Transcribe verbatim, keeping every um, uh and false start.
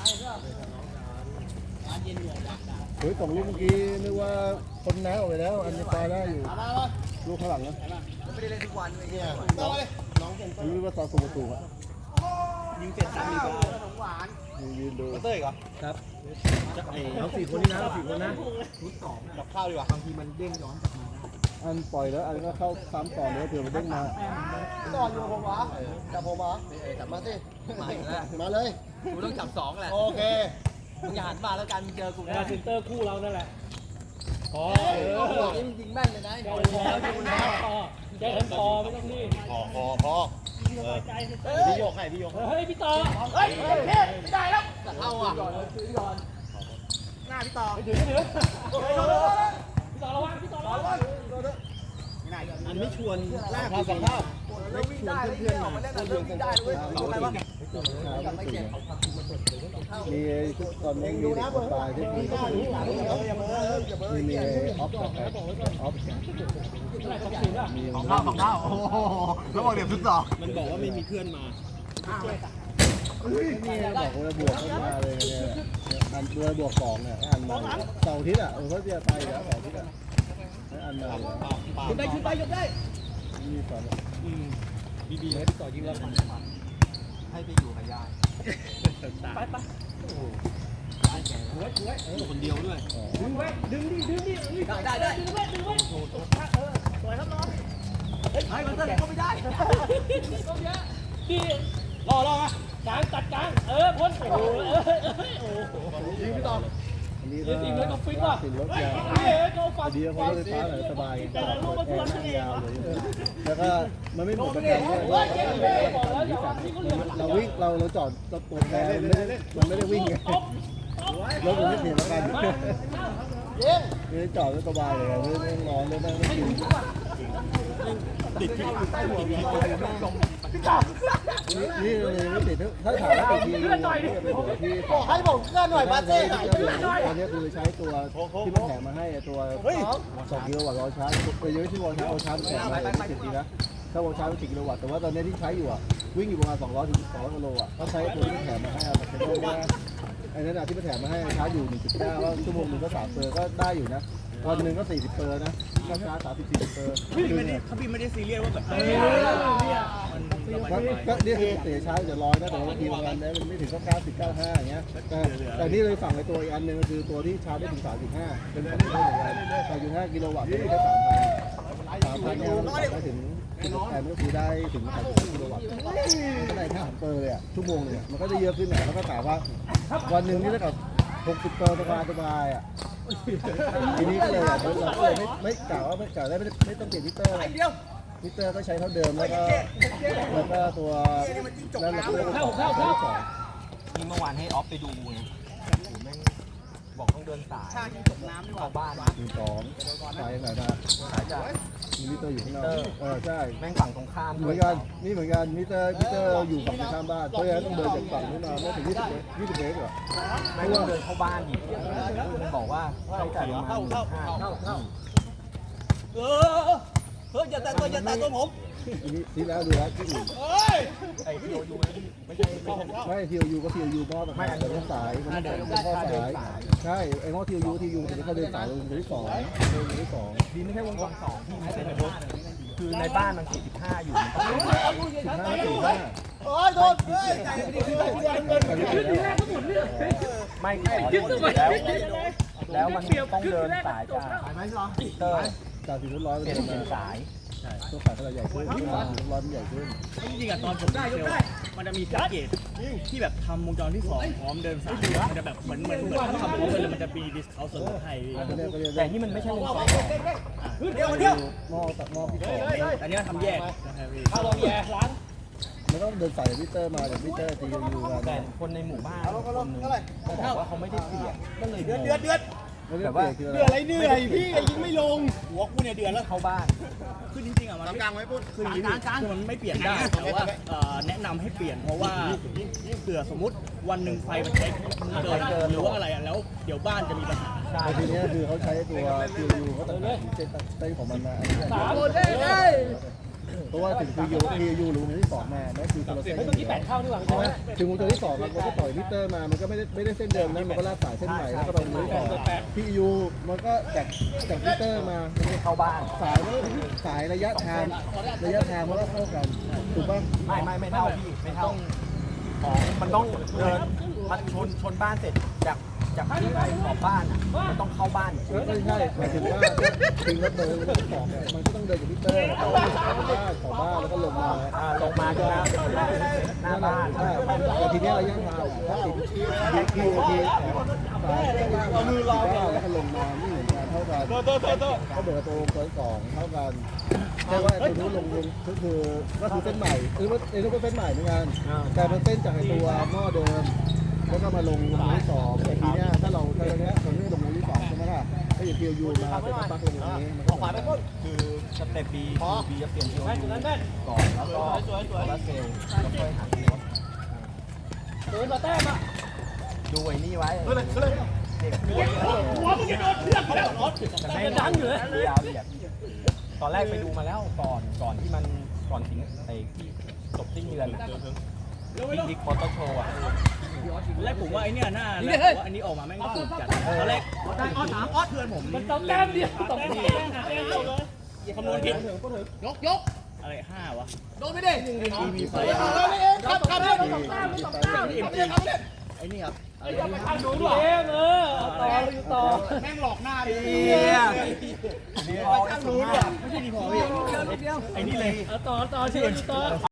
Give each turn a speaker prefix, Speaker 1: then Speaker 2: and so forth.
Speaker 1: เฮ้ยสองลูกเมื่อกี้นึกว่าคนน้าออกไปแล้วอันนี้ปลาได้อยู่ลูกข้างหลังนะไม่ได้เล่นทุกวันเลยเนี่ยน้องน้องผมรู้ว่าตอนสูงประตูอะ
Speaker 2: ยิงเสร็จสามมีบาท
Speaker 1: ยืนดู
Speaker 2: เต้ยเหรอ
Speaker 1: ครับเอาสี่คนนี้นะสี่คนนะ
Speaker 2: ชุดสองกับข้าวดีกว่าบางทีมันเด้งย้อนกลับมา
Speaker 1: อันปล่อยแล้วอันก็เข้าซ้ำต่อเนื้อเผื่อมันเด้งมาต่ออยู่ผมวะจับผมวะจับมาสิมามาเลย
Speaker 2: กูต้องจับสองแหละ
Speaker 1: โอเค
Speaker 2: มึงอย่าหันมาแล้วกันเจอกู
Speaker 3: นะซินเตอร์คู่เรานั่นแหละ
Speaker 2: พอเออยิงยิงแม่นเลยนะ
Speaker 3: เจ้าพอเจ้าพอเจ้าพอไม่ต้องรีบ
Speaker 1: พอพอพอพี่โยกให้พี่โยก
Speaker 3: เฮ้ยพี่ต่อ
Speaker 2: เฮ้ยไม่ได้แล้วเข้าอ่ะหน้าพี่ต่อ
Speaker 3: ไปถึงไปถึงพี่ต่อระวังพี่ต่อระวัง
Speaker 2: อันไม่ชวนลากสองภาพไม่ชวนเพื่อนๆมาเพื่อนๆได้ด้วยอะไรวะ
Speaker 1: มีตอนนี้มีคนตายที่มีมีออฟกับออฟ
Speaker 2: มีของข้าวของข้าวโอ้โหแล้วบอกเดี๋ยวทุกต่อมันบอกว่าไม่มีเพื่อนมา
Speaker 1: นี่บอกว่าบวกเข้ามาเลยเนี่ยอันตัวบวกสองเนี่ยอันมาเสาร์อาทิตย์อ่ะเออเขาจะไปแล้วเสาร์อาทิตย์อ่ะอันมา
Speaker 2: ชุดได้ชุดได้ชุดได้
Speaker 1: มีสอน
Speaker 2: อืมบีบีให้พี่ต่อยิงแล้วให้ไปอยู่กับยายไปไปโอ้โหช่วยช่วยคนเดียวด้วย
Speaker 3: ดึงไว้ดึงดิดึงดิ
Speaker 2: ได้ได้ได้
Speaker 3: ดึงไว้ดึงไว้
Speaker 2: โอ้โหเออสวยครับน้องเฮ้ยมันเต้นก็ไม่ได้
Speaker 3: ก็เยอะดิรอรอมากลางตัดกลางเออพ้นโอ้โหเออโอ้โห
Speaker 2: ยิงพี่ต่อ
Speaker 1: อันนี้
Speaker 3: ก็ติดรถก็ฟิตว่ะ
Speaker 1: ติดรถยาวเดียวเขารถไฟฟ้าเลยสบายแอร์นั่งยาวเลยแล้วก็มันไม่หมดประกันด้วยเราวิ่งเราเราจอดตัวแทนมันไม่ได้มันไม่ได้วิ่งไงรถมันไม่เสียประกันนี่จอดก็สบายเลยไม่ไม่ร้อนไม่ไม่ไม่กิน
Speaker 2: ติดที่อยู่ใต้หัวมีคนอยู่ตรง
Speaker 1: นี่เลยไม่ติดถ้าถามว่าติดที่ที่
Speaker 2: บอกให้ผมเลื่อนหน่อยมาเต้หาย
Speaker 1: ตอนนี้คือใช้ตัวที่มันแถมมาให้ตัวสองกิโลวัตต์ร้อยชาร์จไปเยอะที่วอลชาร์จวอลชาร์จแถมมาไม่ติดดีนะถ้าวอลชาร์จสิบกิโลวัตต์แต่ว่าตอนนี้ที่ใช้อยู่อ่ะวิ่งอยู่ประมาณสองร้อยถึงสองร้อยกิโลอ่ะก็ใช้ตัวที่แถมมาให้เอาแต่เป็นว่าไอ้นั่นอะที่มันแถมมาให้ชาร์จอยู่หนึ่งจุดเก้าก็ชั่วโมงหนึ่งก็สามเปอร์ก็ได้อยู่นะวันหนึ่งก็สี่สิบเปอร์นะก็ชาร์จสามสิบสี่สิบเปอร์
Speaker 2: พี่ไม่ได้เขาพี่ไม่ได้ซีเรียสว่าแบบ
Speaker 1: ก็นี่คือเสียชาร์จจะร้อยนะแต่ว่าบางทีบางอันได้มันไม่ถึงก็เก้าสิบเก้าห้าอย่างเงี้ยแต่แต่นี่เลยฝั่งในตัวอีกอันหนึ่งก็คือตัวที่ชาร์จได้ถึงสามสิบห้าเป็นของที่เหมือนกันสามจุดห้ากิโลวัตต์ได้สามพันสามพันเนี่ยมันได้ถึงแต่มันก็คือได้ถึงสามสิบห้ากิโลวัตต์ก็ได้แค่สามเปอร์เลยอ่ะชั่วโมงเนี่ยมันก็ได้เยอะขึ้นนะแล้วก็ถามว่าวันหนึ่งนี่เท่ากับหกสิบเปอร์สบายสบายอ่ะทีนี้ก็เลยเราก็เลยไม่ไม่กล่าวว่าไม่กล่าวได้ไม่ไม่ต้องเปลี่ยนมิเตอร์มิเตอร์ก็ใช้เท่าเดิมแล้วก็แล้วก็ตัวแล้วเราก็
Speaker 3: เข้าเข้าเข้า
Speaker 2: ยิงเมื่อวานให้ออฟไปดูไงบอกต้องเดินสายชาที่จมน้ำด้วยบ้าน
Speaker 1: มีสองสายไหนนะ
Speaker 2: สายจาก
Speaker 1: มีมิเตอร์อยู่ข้างนอกเออใช่
Speaker 2: แม่งฝั่งตรงข้าม
Speaker 1: เหมือนกันนี่เหมือนกันมิเตอร์มิเตอร์อยู่ฝั่งตรงข้ามบ้านเพราะฉะนั้นต้องเดินจากฝั่งนู้นมาไม่ถึงยี่สิบเมตรยี่สิบเมตรหรอ
Speaker 2: ไม่ต้องเดินเข้าบ้านอีกมันบอกว่าใช้จ่ายประมาณห้าเออเฮ้ยอย่าแตะตัวอย่าแตะตัวผม
Speaker 1: นี่ที่แล้วดูแล้วที่อื่น
Speaker 2: ไอ้ทีโอยูไม่ใช่
Speaker 1: ไม่ทีโอยูก็ทีโอยูมอแบบไม่เดินสายมันเดินข้อสายใช่ไอ้มอทีโอยูทียูแต่เขาเดินสายลงที่สองเดินที่สอง
Speaker 2: ดีไม่ใช่วงจรสองที่ไม่ใช่ในรถคือในบ้านมันสี่สิบห้าอยู่มันต้องสิบห้า
Speaker 1: สี่ห้า
Speaker 2: โอ้ยโดนเฮ้ยไม่ขอแล้วแล้วมันต้องเดินสายจากเตอร์
Speaker 1: จากสี่ร้อย
Speaker 2: เปลี่ยนเป็นสาย
Speaker 1: ตัวขาขนาดใหญ่ขึ้นร้อนใหญ่ขึ้น
Speaker 2: จริงๆอะตอนผมได้ยกได้มันจะมีแพ็กเกจที่แบบทำวงจรที่สองพร้อมเดินสายมันจะแบบเหมือนเหมือนเหมือนทำพร้อมกันเลยมันจะมีดิสเคาท์ส่วนลดให้แต่ที่มันไม่ใช่วงจรเดียวเดียว
Speaker 1: หม้อตัดหม้อพี่ต่
Speaker 2: ออันนี้ทำแยก
Speaker 3: ถ้าเราแยกร้าน
Speaker 1: มันต้องเดินสายมิเตอร์มาจากมิเตอร์ทียูกัน
Speaker 2: แต่คนในหมู่บ้านคนนึงเขาบอกว่าเขาไม่ได้เปลี่ยนก็เลยเดือดเดือดเดือด
Speaker 1: แต่ว่า
Speaker 2: เดือดอะไรเหนื่อยพี่ยิงไม่ลงหัวกูเนี่ยเดือดแล้วเข้าบ้านคือจริงๆอ่ะมันกลางไว้ปุ๊บคือกลางกลางคือมันไม่เปลี่ยนได้แต่ว่าแนะนำให้เปลี่ยนเพราะว่าเผื่อสมมติวันหนึ่งไฟมันใช้เกินเกินหรือว่าอะไรอ่ะแล้วเดี๋ยวบ้านจะมีปัญหา
Speaker 1: แต่ทีนี้คือเขาใช้ตัวทียูเขาตัดเส้นเส้นของมันมา
Speaker 3: สามคนได้
Speaker 1: เพราะว่าถึงคือยูทียูรู้มันที่สองมานั่นคือคนละเส้น
Speaker 3: เฮ้ยเมื่อกี้แปดเข้าดีกว่า
Speaker 1: ใช่ไหมถึงวงจรที่สองมันก็ต่อยมิเตอร์มามันก็ไม่ได้ไม่ได้เส้นเดิมนะมันก็ลากสายเส้นใหม่แล้วก็ไปวงจรที่สองพียูมันก็จากจากมิเตอร์มา
Speaker 2: เข้าบ้าน
Speaker 1: สายมันก็สายระยะทางระยะทางมันก็เท่ากันถูกป่ะ
Speaker 2: ไม่ไม่ไม่เท่าพี่ไม่เท่าของมันต้องเดินมันชนชนบ้านเสร็จจากจากที่ขอบบ้านอ่ะมันต้องเข้าบ้าน
Speaker 1: เออไม่ใช่หมายถึงว่าถึงรถเดินรถสองเนี่ยมันก็ต้องเดินจากมิเตอร์เข้าบ้านของบ้านแล้วก็ลงมา
Speaker 2: อ่าลงมาจะหน้าบ้าน
Speaker 1: ใช่แต่ทีนี้ระยะทางถ้าติดทีทีทีสายเอามือรอแล้วก็ลงมานี่เหมือนกันเท่ากันเขาเบิดตัวตัวสองเท่ากันแต่ว่าตัวนู้นลงลงก็คือก็คือเส้นใหม่คือว่าไอ้นู้นก็เส้นใหม่เหมือนกันแต่มันเส้นจากไอ้ตัวหม้อเดิมแล้วก็มาลงลงที่สองแต่ทีเนี้ยถ้าเราถ้าเราเนี้ยเราไม่ลงลงที่สองใช่ไหมล่ะถ้าอย่างคิวยูมาเป็นปักลงตรงนี้มันก็
Speaker 2: ขวาไปต้นคือสเต็ปบีบีจะเปลี่ยนทีโอยูก่อนแล้วก็โซลาร์เซลล์แล้วค่อยหันรถ
Speaker 3: โดนต่อแต้มอ่ะ
Speaker 2: ดูไอ้นี่ไว้
Speaker 3: หัวมึงจะโดนเชือกแล้วรถแต่ดังอยู่เลย
Speaker 2: ยาวเหยียดตอนแรกไปดูมาแล้วก่อนก่อนที่มันก่อนถึงไอ้ที่จบสิ้นเดือนที่ดิกมอเตอร์โชว์อ่ะแรกผมว่าไอ้นี่น่าแล้วว่าอันนี้ออกมาแม่งถูกจัดตอนแรกออสสามออสเพื่อนผม
Speaker 3: มันต่อแต้มเดียวต่อแต้มเดียวเลย
Speaker 2: คำนวณผิด
Speaker 3: ยกยก
Speaker 2: อะไรห้าวะ
Speaker 3: โดนไม่ได้
Speaker 2: มีไฟ
Speaker 3: ครับครับสองแต้มสองแต้ม
Speaker 2: ไอ้นี่ครับ
Speaker 3: ไอ้ยังไปทำดูด้วยเองเออต่ออยู่ต่อ
Speaker 2: แม่งหลอกหน้าดิเนี่ยดีพอช่างรู้ด้วยไม่ใช่ดีพอพี่ไอ้นี่เลย
Speaker 3: ต่อต่อเชื่อต่อ